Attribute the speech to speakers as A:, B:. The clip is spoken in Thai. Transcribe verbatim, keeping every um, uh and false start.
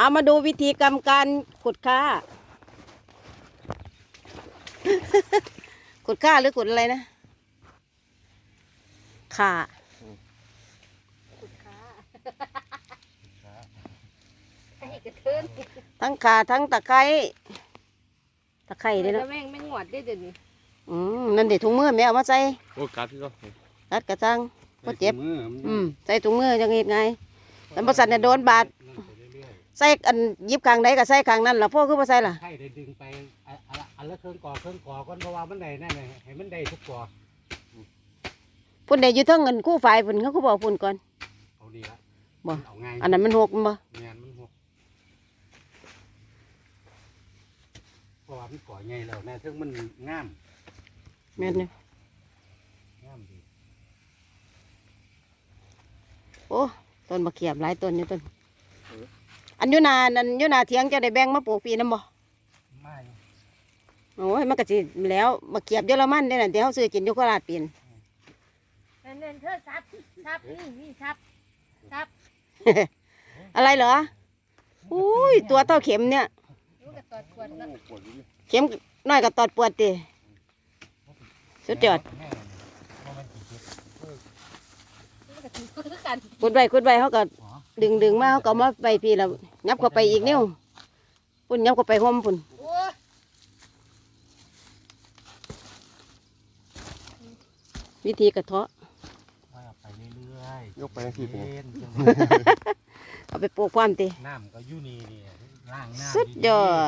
A: เอามาดูวิธีกรรมการขุดค่า ขุดค่าหรือขุดอะไรนะค่าขุดค่าทั้งข่าทั้งตะไคร้ตะไคร้ด้วยเนาะ
B: แม่งไม่งวดได้เดี๋ยวนี้
A: อืมนั่นเด็ดถุงมือแม่เอามาใส่
C: โอ้กัดที่ก็
A: กัดกระจังก็เจ็บ
C: มือ
A: อืมใส่ถุงมือยังไงไงแต่บริษัทเนี่ยโดนบาดใส่อันยิบข้างใดก็ใส่ข้างนั้นล่ะพ่อคือบ่ใส่ล่ะ
D: ให้ได้ดึงไปอันอันอันละเครื่องก่อเครื่องก่อก่อนเพราะว่ามันได้นั่นน่ะให้มันได้ทุกก่อ
A: พุ่นได้อยู่เทั้งเงินกู้ฝ่ายพุ่นเขาก็บอกพุ่นก่อน
D: เอาดีละ
A: บ่
D: เอาง่าย
A: อันนั้นมันหกบ่
D: งานมันหกเพราะว่ามันก่อใหญ่แล้วนะถึงมันงาม
A: แม่นเนี่ย
D: งามดี
A: โอ้ต้นมะเขียบหลายต้นอยู่ต้นอันอยุนาอันอยุนาเถียงเจ้าได้แบ่งมาปลูกปีน้ำบ่
D: ไม่
A: โอ้ยมันก็สิแล้วมะเขียบเยอรมันได้น่ะเดี๋ยวเขาซื้อกินอยู่โคราชปีน
B: เน้นๆเธอซับซับนี่นี่ซับซับ
A: อะไรเหรออุ้ยตัวเท่าเข็มเนี่ย
B: ลูกกระตอดขวดละ
A: เข็มน้อยกับตอดปวดติสุดยอด
D: แม่ว่ามันกี่เจ็บ
B: ลูกกระถือคือกัน
A: ขุดใบขุดใบเขาก็
D: หัว
A: ดึงดึงมาเขาก็เอามาใบพี่แล้วยับเข้าไปอีกนิ้วพุ่นยับเข้าไปห่มพุ่น
B: โอ้ย
A: วิธีกระเทาะ
D: ว่าไปเรื่อยๆ
C: ยกไปทั้งที่ผม
D: เย็น
A: เอาไปปลูกความติ
D: น้ำก็อยู่นี่นี่ล่างน้ำ
A: สุดยอด